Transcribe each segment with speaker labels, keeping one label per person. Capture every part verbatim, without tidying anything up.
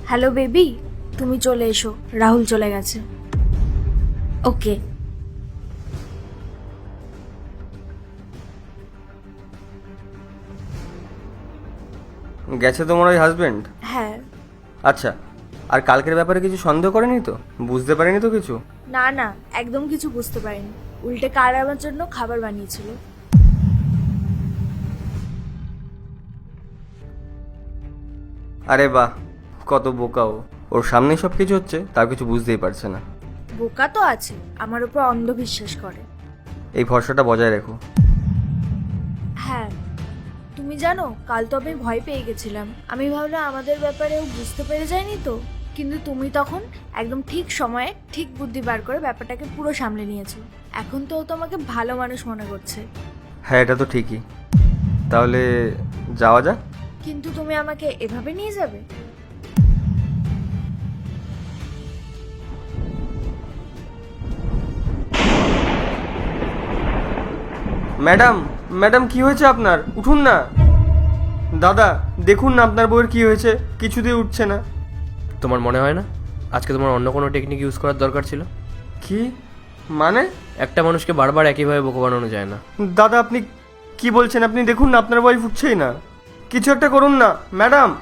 Speaker 1: Hello baby, তুমি চলে এসো, রাহুল চলে গেছে। ওকে।
Speaker 2: গেছে তোমার ওই হাজবেন্ড?
Speaker 1: হ্যাঁ।
Speaker 2: আচ্ছা, আর কালকের ব্যাপারে কিছু সন্দেহ করেনি তো? বুঝতে পারেনি তো কিছু?
Speaker 1: না না, একদম কিছু বুঝতে পারিনি। উল্টে কাল আমার জন্য খাবার বানিয়েছিল।
Speaker 2: আরে বাহ, কত বোকা ও! ওর সামনেই সব কিছু হচ্ছে, তার কিছু বুঝতেই পারছে না।
Speaker 1: বোকা তো আছে, আমার উপর অন্ধবিশ্বাস করে।
Speaker 2: এই ভরসাটা বজায় রেখো।
Speaker 1: হ্যাঁ, তুমি জানো কাল তো আমি ভয় পেয়ে গেছিলাম। আমি ভাবলাম আমাদের ব্যাপারে ও বুঝতে পেরে যায়নি তো, কিন্তু তুমি তখন একদম ঠিক সময়ে ঠিক বুদ্ধি বার করে ব্যাপারটাকে পুরো সামলে নিয়েছো। এখন তো ও তোমাকে ভালো মানুষ মনে করছে।
Speaker 2: হ্যাঁ, এটা তো ঠিকই। তাহলে যাওয়া যাক।
Speaker 1: কিন্তু তুমি আমাকে এভাবে নিয়ে যাবে?
Speaker 2: ম্যাডাম, ম্যাডাম কি হয়েছে আপনার? উঠুন না। দাদা, দেখুন না আপনার বউয়ের কি হয়েছে, কিছুতেই উঠছে না।
Speaker 3: তোমার মনে হয় না আজকে তোমার অন্য কোনো টেকনিক ইউজ করার দরকার ছিল?
Speaker 2: কি মানে?
Speaker 3: একটা মানুষকে বারবার একইভাবে বোকা বানানো যায় না।
Speaker 2: দাদা, আপনি কি বলছেন? আপনি দেখুন না আপনার ওয়াইফ উঠছেই না। কিছু একটা করুন না ম্যাডাম।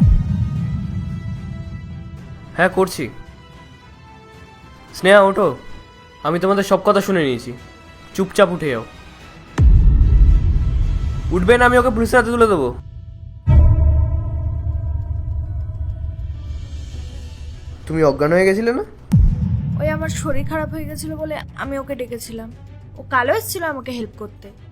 Speaker 3: হ্যাঁ, করছি। স্নেহা, ওঠো। আমি তোমাদের সব কথা শুনে নিয়েছি। চুপচাপ উঠে যাও। উঠবে না, আমি ওকে পুলিশের হাতে তুলে দেবো। তুমি অজ্ঞান হয়ে গেছিলে না?
Speaker 1: ওই আমার শরীর খারাপ হয়ে গেছিল বলে আমি ওকে ডেকেছিলাম। ও কালও এসেছিল আমাকে হেল্প করতে।